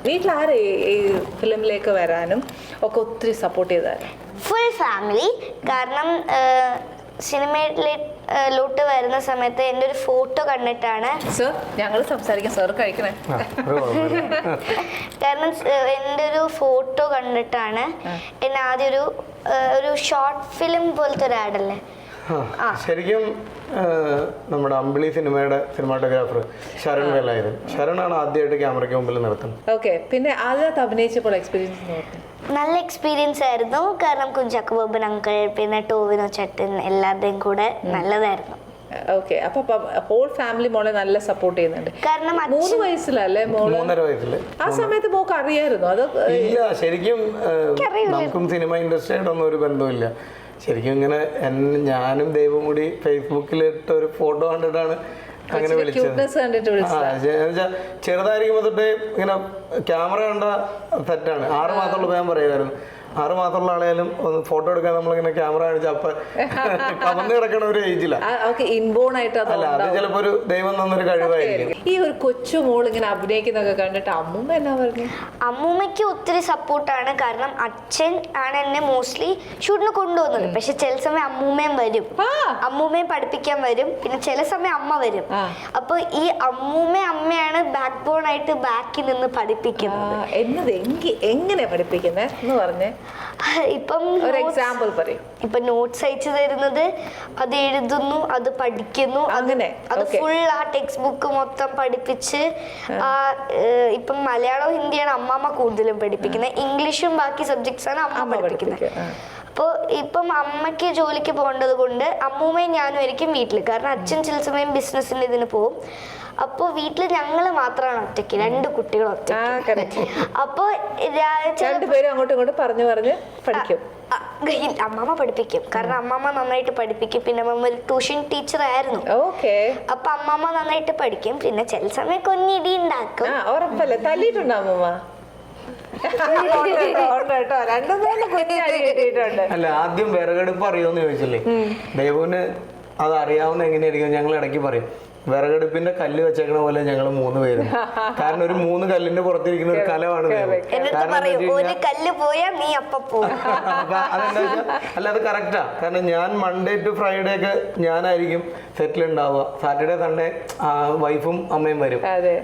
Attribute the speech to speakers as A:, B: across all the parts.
A: വീട്ടിലാരെ ഈ ഫിലിമിലേക്ക് വരാനും ഒക്കെ ഒത്തിരി സപ്പോർട്ട് ചെയ്തായിരുന്നു?
B: Full family. കാരണം സിനിമയിലോട്ട് വരുന്ന സമയത്ത് എൻ്റെ ഒരു ഫോട്ടോ കണ്ടിട്ടാണ്.
A: സർ ഞങ്ങൾ സംസാരിക്കാം, സർ കഴിക്കണേ.
B: കാരണം എൻ്റെ ഒരു ഫോട്ടോ കണ്ടിട്ടാണ് എന്നെ ആദ്യം ഒരു ഷോർട്ട് ഫിലിം പോലത്തെ ഒരു ആഡല്ലേ.
C: ശരിക്കും നമ്മുടെ അമ്പിളി സിനിമയുടെ സിനിമാറ്റോഗ്രാഫർ ശരൺ വേലായുധൻ, ശരണാണ് ആദ്യമായിട്ട് ക്യാമറയ്ക്ക് മുമ്പിൽ നിർത്തുന്നത്.
A: ഓക്കെ, പിന്നെ അതിനകത്ത് അഭിനയിച്ചപ്പോൾ എക്സ്പീരിയൻസ്
B: നല്ല എക്സ്പീരിയൻസ് ആയിരുന്നു. കാരണം കുഞ്ചാക്കോ ബോബൻ അങ്കിൾ, പിന്നെ ടോവിനോ ചേട്ടൻ, എല്ലാവരുടെയും കൂടെ നല്ലതായിരുന്നു.
A: ഓക്കെ, അപ്പൊ ഹോൾ ഫാമിലി മോളെ നല്ല സപ്പോർട്ട് ചെയ്യുന്നുണ്ട്.
B: കാരണം
A: 3 വയസ്സിലല്ലേ മോള്?
C: 3.5 വയസ്സില്.
A: ആ സമയത്ത് മോക്ക് അറിയായിരുന്നു അത്?
C: ഇല്ല, ശരിക്കും നമുക്കും സിനിമ ഇൻഡസ്ട്രിയായിട്ടൊന്നും ഒരു ബന്ധമില്ല. ശരിക്കും ഇങ്ങനെ ഞാനും ദൈവം കൂടി ഫേസ്ബുക്കിലിട്ട ഒരു ഫോട്ടോ കണ്ടിട്ടാണ് അങ്ങനെ വിളിച്ചത്. ചെറുതായിരിക്കുമ്പോ തൊട്ടേ ഇങ്ങനെ ക്യാമറ കണ്ട സെറ്റാണ്. 6 മാസമുള്ള ഞാൻ പറയുമായിരുന്നു, 6 മാസമുള്ള ആളെയാലും ഒന്ന് ഫോട്ടോ എടുക്കാൻ നമ്മളിങ്ങനെ ക്യാമറ കാണിച്ച അപ്പൊ കവന്ന് കിടക്കണ ഒരു ഏജില്ല.
A: ഇൻബോൺ ആയിട്ട്
C: അല്ല, അത് ചിലപ്പോ ഒരു ദൈവം തന്നൊരു കഴിവായിരിക്കും.
A: ഈ ഒരു കൊച്ചു മോൾ ഇങ്ങനെ അഭിനയിക്കുന്നൊക്കെ കണ്ടിട്ട് അമ്മൂമ്മ എന്നാ പറഞ്ഞു?
B: അമ്മൂമ്മയ്ക്ക് ഒത്തിരി സപ്പോർട്ടാണ്. കാരണം അച്ഛൻ ആണ് എന്നെ മോസ്റ്റ്ലി ഷൂട്ടിന് കൊണ്ടുപോകുന്നത്. പക്ഷെ ചില സമയം അമ്മൂമ്മയും വരും, അമ്മൂമ്മയും പഠിപ്പിക്കാൻ വരും, പിന്നെ ചില സമയം അമ്മ വരും. അപ്പൊ ഈ അമ്മയാണ് ബാക്ക് ബോൺ ആയിട്ട് ബാക്കിൽ നിന്ന് പഠിപ്പിക്കുന്നത്.
A: എങ്ങനെ പഠിപ്പിക്കുന്നത് എന്ന് പറഞ്ഞേ?
B: ഇപ്പം
A: ഒരു എക്സാമ്പിൾ പറയും.
B: ഇപ്പൊ നോട്ട്സ് അയച്ചു തരുന്നത്, അത് എഴുതുന്നു, അത് പഠിക്കുന്നു,
A: അങ്ങനെ
B: അത് ഫുൾ ആ ടെക്സ്റ്റ് ബുക്ക് മൊത്തം പഠിപ്പിച്ച്. ഇപ്പം മലയാളവും ഹിന്ദിയാണ് അമ്മാമ്മ കൂടുതലും പഠിപ്പിക്കുന്നത്. ഇംഗ്ലീഷും ബാക്കി സബ്ജക്ട്സ് ആണ് അമ്മ പഠിപ്പിക്കുന്നത്. അപ്പോൾ ഇപ്പം അമ്മയ്ക്ക് ജോലിക്ക് പോകേണ്ടത് കൊണ്ട് അമ്മൂമ്മയും ഞാനും ആയിരിക്കും വീട്ടിൽ. കാരണം അച്ഛൻ ചില സമയം ബിസിനസ്സിന്റെ ഇതിന് പോകും. അപ്പോൾ വീട്ടിൽ ഞങ്ങൾ മാത്രമാണ് ഒറ്റയ്ക്ക്, 2 കുട്ടികൾ ഒറ്റയ്ക്ക്. അപ്പോൾ
A: രണ്ടുപേരും അങ്ങോട്ടും ഇങ്ങോട്ടും പറഞ്ഞു പഠിക്കും.
B: അമ്മാമ്മ പഠിപ്പിക്കും. കാരണം അമ്മാമ്മ നന്നായിട്ട് പഠിപ്പിക്കും. പിന്നെ അമ്മ ഒരു ട്യൂഷൻ ടീച്ചർ ആയിരുന്നു. അപ്പൊ അമ്മാമ്മ നന്നായിട്ട് പഠിക്കും. പിന്നെ ചില സമയം കൊഞ്ഞിടി ഉണ്ടാക്കും.
A: ഉറപ്പല്ലേ? തല്ലിയിട്ടുണ്ടോ അമ്മമ്മ?
C: അല്ല, ആദ്യം വിറകടുപ്പ് അറിയോന്ന് ചോദിച്ചില്ലേ, ദേവുവിന് അത് അറിയാവുന്ന എങ്ങനെയായിരിക്കും? ഞങ്ങൾ ഇടയ്ക്ക് പറയും, വിറകടുപ്പിന്റെ കല്ല് വെച്ചേക്കണ പോലെ ഞങ്ങൾ 3 പേരും. കാരണം ഒരു 3 കല്ലിന്റെ പുറത്തിരിക്കുന്ന ഒരു കലമാണ്. അല്ല, അത് കറക്റ്റാ. കാരണം ഞാൻ മൺഡേ ടു ഫ്രൈഡേ ഒക്കെ ഞാനായിരിക്കും സെറ്റിൽ ഉണ്ടാവുക. സാറ്റർഡേ സൺഡേ വൈഫും അമ്മയും വരും.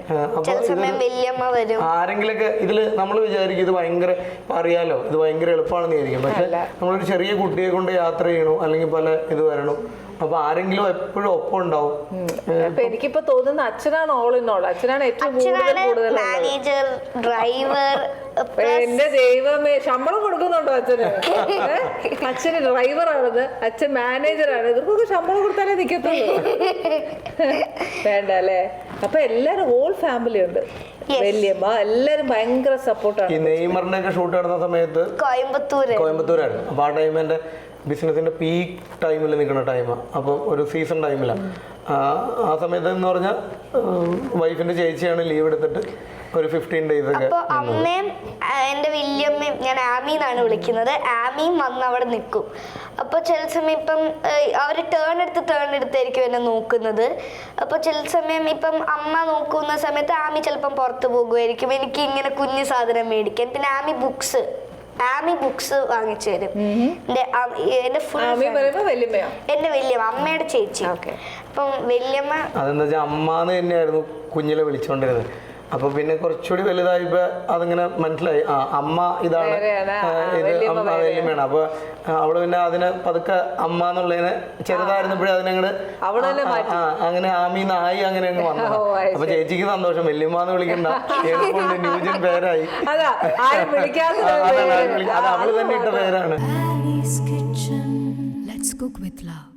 C: ആരെങ്കിലൊക്കെ ഇതില് നമ്മൾ വിചാരിക്കും ഇത് ഭയങ്കര അറിയാലോ, ഇത് ഭയങ്കര എളുപ്പമാണെന്ന് വിചാരിക്കും. പക്ഷെ നമ്മളൊരു ചെറിയ കുട്ടിയെ കൊണ്ട് യാത്ര ചെയ്യണോ അല്ലെങ്കിൽ പല ഇത് വരണം, അപ്പൊ ആരെങ്കിലും എപ്പോഴും ഒപ്പം ഉണ്ടാവും.
A: എനിക്കിപ്പോ തോന്നുന്ന അച്ഛനാണ് ഓൾ ഇൻ ഓൾ. അച്ഛനാണ് ഏറ്റവും കൂടുതൽ
B: മാനേജർ, ഡ്രൈവർ.
A: എന്റെ ദൈവമേ, ശമ്പളം കൊടുക്കുന്നുണ്ടോ അച്ഛന്? അച്ഛന് ഡ്രൈവറാണത്, അച്ഛൻ മാനേജറാണ്. ഇവർക്കൊക്കെ ശമ്പളം കൊടുത്താലേ നിക്കത്തുള്ളൂ. വേണ്ട അല്ലേ? അപ്പൊ എല്ലാരും ഹോൾ ഫാമിലി ഉണ്ട്. വല്യമ്മ എല്ലാരും ഭയങ്കര സപ്പോർട്ടാണ്.
C: ഈ നെയ്മറിന്റെ ഒക്കെ ഷൂട്ട് നടന്ന സമയത്ത് കോയമ്പത്തൂരായിരുന്നു. അപ്പൊ ആ ടൈം എന്റെ ബിസിനസിന്റെ പീക്ക് ടൈമിൽ നിൽക്കുന്ന ടൈമാണ്. അപ്പോൾ ഒരു സീസൺ ടൈമിലാണ്. ആ സമയത്ത് എന്ന് പറഞ്ഞാൽ വൈഫിന്റെ ചേച്ചിയാണ് ലീവ് എടുത്തിട്ട് ഒരു 15 days ഒക്കെ.
B: അപ്പോൾ അമ്മയും എൻ്റെ വല്യമ്മയും, ഞാൻ ആമി എന്നാണ് വിളിക്കുന്നത്, ആമിയും വന്ന് അവിടെ നിൽക്കും. അപ്പോൾ ചില സമയം ഇപ്പം അവർ ടേൺ എടുത്തായിരിക്കും എന്നെ നോക്കുന്നത്. അപ്പോൾ ചില സമയം ഇപ്പം അമ്മ നോക്കുന്ന സമയത്ത് ആമി ചിലപ്പം പുറത്ത് പോകുമായിരിക്കും എനിക്ക് ഇങ്ങനെ കുഞ്ഞു സാധനം മേടിക്കാൻ. പിന്നെ ആമി ബുക്സ് വാങ്ങിച്ചു തരും. എന്റെ വല്യമ്മ, അമ്മയുടെ ചേച്ചി. അപ്പം വല്യമ്മ
C: അതെന്താ വെച്ചാൽ അമ്മാന്ന് തന്നെയായിരുന്നു കുഞ്ഞിലെ വിളിച്ചോണ്ടിരുന്നത്. അപ്പൊ പിന്നെ കുറച്ചുകൂടി വലുതായപ്പോ അതിങ്ങനെ മനസ്സിലായി, അമ്മ ഇതാണ്, ഇത് വല്യമ്മയാണ്. അപ്പൊ അവള് പിന്നെ അതിനെ പതുക്കെ അമ്മ എന്നുള്ളതിനെ ചെറുതായിരുന്നപ്പോഴേ അതിനങ്ങട് അങ്ങനെ ആമീന്നായി അങ്ങനെ അങ്ങ് വന്നു. അപ്പൊ ചേച്ചിക്ക് സന്തോഷം, വല്യമ്മന്ന് വിളിക്കണ്ട, എളുപ്പമുണ്ട്, ന്യൂജൻ പേരായി. അത് അവള് തന്നെ ഇട്ട പേരാണ്.